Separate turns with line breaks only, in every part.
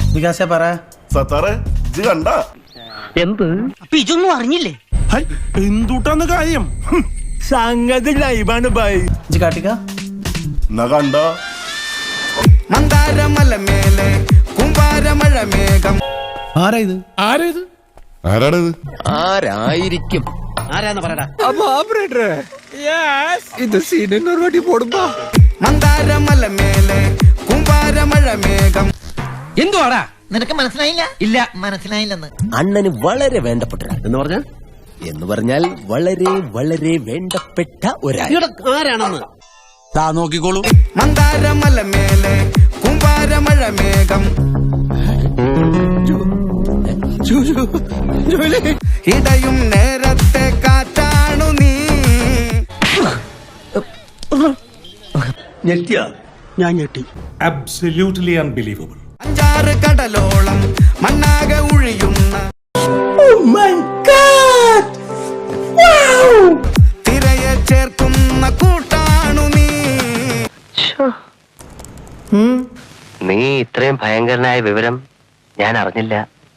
വികാസ പറ.
സത്താറെ ഇജ്ജ് കണ്ട
എന്ത് ഇതൊന്നും അറിഞ്ഞില്ലേ?
എന്തുട്ടാന്ന് കാര്യം? സംഗതി ലൈവാണ് ബൈ.
ഇജ്ജ് കാട്ടിക്ക
എന്നാ കണ്ട
മന്ദാരമലമേലെ കുമ്പാരമഴ മേഘം.
ആരാ ഇത്?
ആരാണിത്?
ആരായിരിക്കും?
ആരാന്ന് പറയടാ.
ഇത് സീനിന് ഒരു വടി പോടുമ്പോ
മന്ദാരമലമേലെ കുമ്പാരമഴ മേഘം.
എന്തുവാടാ?
നിനക്ക് മനസ്സിലായില്ല?
ഇല്ല.
മനസ്സിലായില്ലെന്ന്.
അണ്ണന് വളരെ വേണ്ടപ്പെട്ട എന്ന് പറഞ്ഞാൽ വളരെ വളരെ വേണ്ടപ്പെട്ട ഒരാൾ.
ആരാണെന്ന്
താ നോക്കിക്കോളൂ.
മന്ദാരമലമേലെ കുമ്പാരമഴ മേഘം. ഇടയും നേരത്തെ കാറ്റാണു നീ.
ഞെട്ടിയ ഞാൻ ഞെട്ടി. Absolutely unbelievable.
5 കടലോളം മണ്ണാകെ ഒഴിയുന്ന തിരയെ ചേർക്കുന്ന കൂട്ടാണു നീ.
നീ ഇത്രയും ഭയങ്കരനായ വിവരം ഞാൻ അറിഞ്ഞില്ല.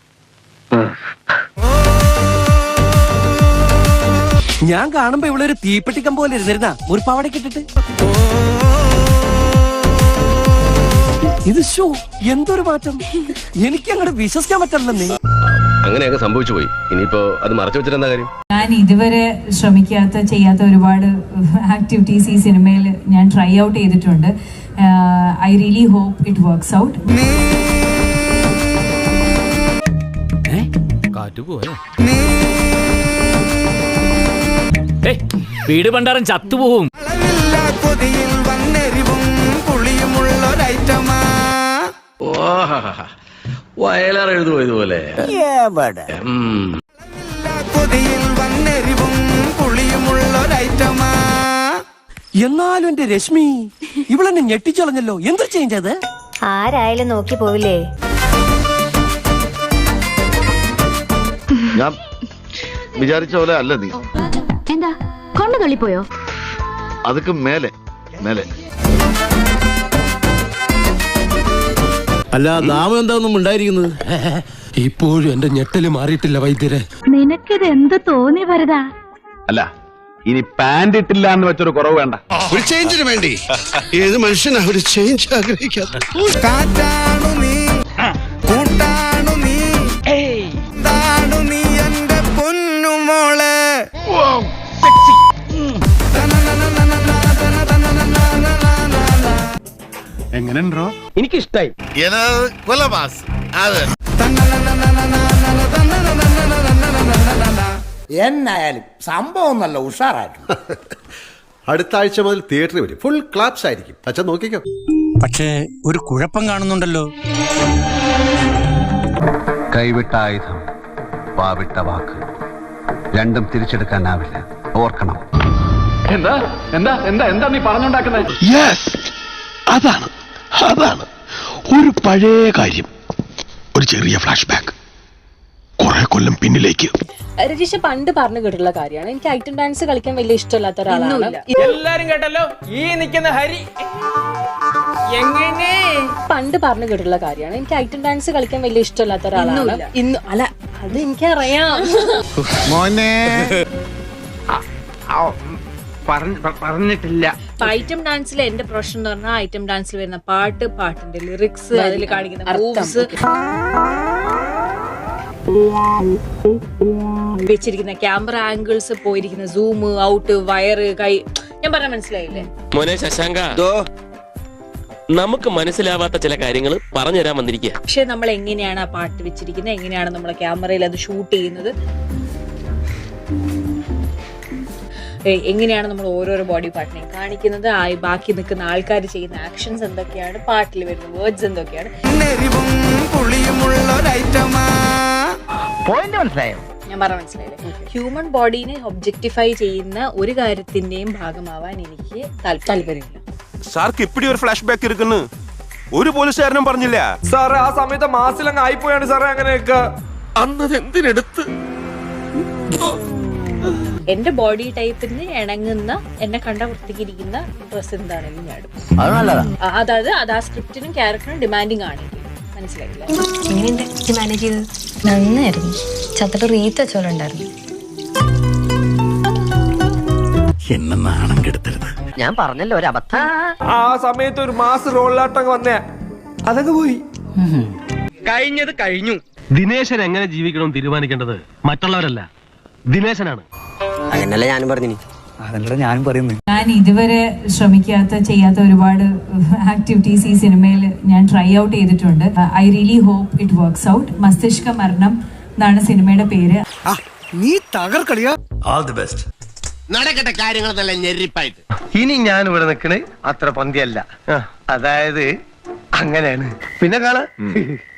ഞാൻ കാണുമ്പോ ഇവിടെ ഒരു തീപ്പെട്ടിക്കം പോലെ ഇരുന്നിരുന്ന ഒരു പാവടക്ക് ഇട്ടിട്ട് ഇത് ഷോ എന്തൊരു മാറ്റം. എനിക്ക് അങ്ങോട്ട് വിശ്വസിക്കാൻ പറ്റില്ലെന്നേ.
അങ്ങനെയൊക്കെ സംഭവിച്ചു പോയി. ഇനിയിപ്പോ അത് മറച്ചു വെച്ചിട്ടെന്താ കാര്യം?
ഞാൻ ഇതുവരെ ചെയ്യാത്ത ഒരുപാട് ആക്ടിവിറ്റീസ് ഈ സിനിമയിൽ ഞാൻ ട്രൈ ഔട്ട് ചെയ്തിട്ടുണ്ട്. I really hope it works out.
വീട് പണ്ടാരം ചത്തുപോകും.
കൊതിയിൽ വന്നെരിവും പുളിയുമുള്ളൊരൈറ്റമാ.
വയലാർ എഴുതുമോ ഇതുപോലെ?
കൊതിയിൽ വന്നെരിവും പുളിയുമുള്ളൊരൈറ്റമാ.
എന്നാലും എന്റെ രശ്മി ഇവളെന്നെ ഞെട്ടിച്ചളഞ്ഞല്ലോ. എന്ത് ചേഞ്ച് അത്?
ആരായാലും നോക്കി പോവില്ലേ?
ഞാൻ വിചാരിച്ച പോലെ അല്ല നീ.
എന്താ കൊണ്ടു തള്ളിപ്പോയോ?
അതൊക്കെ മേലെ മേലെ.
അല്ല നാമം എന്താണെന്നും ഉണ്ടായിരിക്കുന്നത്. ഇപ്പോഴും എന്റെ ഞെട്ടല് മാറിയിട്ടില്ല വൈദ്യരെ.
നിനക്കിത് എന്ത് തോന്നി വരതാ?
അല്ല, ഇനി പാന്റ് ഇട്ടില്ല എന്ന് വെച്ചൊരു കുറവ് വേണ്ട.
ഒരു ചേഞ്ചിന് വേണ്ടി ഏത് മനുഷ്യനാ ഒരു ചേഞ്ച് ആഗ്രഹിക്കാത്ത?
കാറ്റാണു നീ, കൂട്ടാണു നീ, താണു നീ എന്റെ പൊന്നുമോളെ.
എങ്ങനെയുണ്ടോ?
എനിക്കിഷ്ടായി.
എന്നായാലും സംഭവം നല്ല ഉഷാറായിരുന്നു.
അടുത്ത ആഴ്ച മുതൽ തിയേറ്ററിൽ വരും. ഫുൾ ക്ലാപ്സ് ആയിരിക്കും. അച്ഛൻ നോക്കിക്കോ.
പക്ഷേ ഒരു കുഴപ്പം കാണുന്നുണ്ടല്ലോ.
കൈവിട്ട ആയുധം, വാവിട്ട വാക്ക്, രണ്ടും തിരിച്ചെടുക്കാനാവില്ല. ഓർക്കണം. എന്താ എന്താ എന്താ എന്താ നീ പറഞ്ഞുണ്ടാക്കുന്നത്?
അതാണ് അതാണ് ഒരു പഴയ കാര്യം. ഒരു ചെറിയ ഫ്ലാഷ് ബാക്ക് കുറെ കൊല്ലം പിന്നിലേക്ക്.
രജിഷ പണ്ട് പറഞ്ഞു കേട്ടിട്ടുള്ള കാര്യമാണ്. എനിക്ക് ഐറ്റം ഡാൻസ് കളിക്കാൻ വലിയ ഇഷ്ടമില്ലാത്ത ഒരാളാണ്.
എല്ലാരും കേട്ടല്ലോ, ഈ നിൽക്കുന്ന ഹരി എങ്ങനെ
പണ്ട് പറഞ്ഞു കേട്ടിട്ടുള്ള കാര്യമാണ്. എനിക്ക് ഐറ്റം ഡാൻസ് കളിക്കാൻ വലിയ ഇഷ്ടമില്ലാത്ത ഒരാളാണ്. ഇന്ന് അല്ല, അത് എനിക്കറിയാം.
മോനെ
പറഞ്ഞിട്ടില്ല.
ഐറ്റം ഡാൻസിൽ എന്റെ പ്രൊഫഷൻ എന്ന് പറഞ്ഞാൽ ഐറ്റം ഡാൻസിൽ വരുന്ന പാട്ടിന്റെ ലിറിക്സ്, അതിൽ കാണിക്കുന്ന മൂവ്സ്, വെച്ചിരിക്കുന്ന ക്യാമറ ആംഗിൾസ്, പോയിരിക്കുന്ന സൂം ഔട്ട്, വയറ്, കൈ, ഞാൻ പറഞ്ഞ മനസ്സിലായില്ലേ?
മോനെ ശശാങ്ക, നമുക്ക് മനസ്സിലാവാത്ത ചില കാര്യങ്ങൾ പറഞ്ഞുതരാൻ വന്നിരിക്കുക.
പക്ഷെ നമ്മൾ എങ്ങനെയാണ് ആ പാട്ട് വെച്ചിരിക്കുന്നത്, എങ്ങനെയാണ് നമ്മളെ ക്യാമറയിൽ അത് ഷൂട്ട് ചെയ്യുന്നത്, എങ്ങനെയാണ് നമ്മൾ ഓരോരോ ബോഡി പാർട്ടിനെയും കാണിക്കുന്നത്, ബാക്കി നിൽക്കുന്ന ആൾക്കാർ ചെയ്യുന്ന ആക്ഷൻസ് എന്തൊക്കെയാണ്, പാട്ടിൽ വരുന്ന വേർഡ്സ് എന്തൊക്കെയാണ്.
പോയിന്റ് മനസ്സിലായോ?
ഞാൻ പറഞ്ഞ മനസ്സിലായില്ലേ? ഹ്യൂമൻ ബോഡീനെ ഒബ്ജക്ടിഫൈ ചെയ്യുന്ന ഒരു കാര്യത്തിന്റെയും ഭാഗമാവാൻ എനിക്ക് താല്പര്യമില്ല.
സാർക്ക് ഇപ്പിടി ഒരു ഫ്ലാഷ് ബാക്ക് ഇരിക്കുന്നു. ഒരു പോലീസുകാരനും പറഞ്ഞില്ല
സാറേ. ആ സമയത്ത് മാസിലങ്ങ് ആയിപ്പോയാണ് സാറേ. അങ്ങനെയൊക്കെ
അന്നത് എന്തിനെടുത്ത്
എന്റെ ബോഡി ടൈപ്പിന് ഇണങ്ങുന്ന, എന്നെ കണ്ട വൃത്തിക്കിരിക്കുന്ന ഡ്രസ് എന്താണെങ്കിലും ഞാൻ ഇടും. അതായത് അത് ആ സ്ക്രിപ്റ്റിനും ക്യാരക്ടറിനും ഡിമാൻഡിങ് ആണെങ്കിൽ
എങ്ങനെയുണ്ട് മാനേജ് ചെയ്തത്? നന്നായിരുന്നു. ചത്തിട്ട് റീത്ത് വെച്ചോലുണ്ടായിരുന്നു.
എന്നെ നാണം കെടുത്തരുത്.
ഞാൻ പറഞ്ഞല്ലോ ഒരു അബദ്ധം.
ആ സമയത്ത് ഒരു മാസ് റോളിലാട്ടം വന്നേ, അതങ്ങ് പോയി.
കഴിഞ്ഞത് കഴിഞ്ഞു.
ദിനേശൻ എങ്ങനെ ജീവിക്കണം തീരുമാനിക്കേണ്ടത് മറ്റുള്ളവരല്ല, ദിനേശനാണ്.
അതന്നല്ല ഞാനും പറഞ്ഞു.
അതല്ല ഞാനും പറയുന്നു.
ഞാൻ ഇതുവരെ ചെയ്യാത്ത ഒരുപാട് ആക്ടിവിറ്റീസ് ഈ സിനിമയിൽ ഞാൻ ട്രൈ ഔട്ട് ചെയ്തിട്ടുണ്ട്. I really hope it works out. മസ്തിഷ്ക മരണം എന്നാണ് സിനിമയുടെ പേര്.
നീ തകർക്കളിയാ.
All the best.
നടക്കട്ടെ കാര്യങ്ങൾ നല്ല ഞെരിപ്പായിട്ട്.
ഇനി ഞാൻ ഇവിടെ നിൽക്കണേ അത്ര പന്തിയല്ല, അതായത് അങ്ങനെയാണ്. പിന്നെ കാണാ.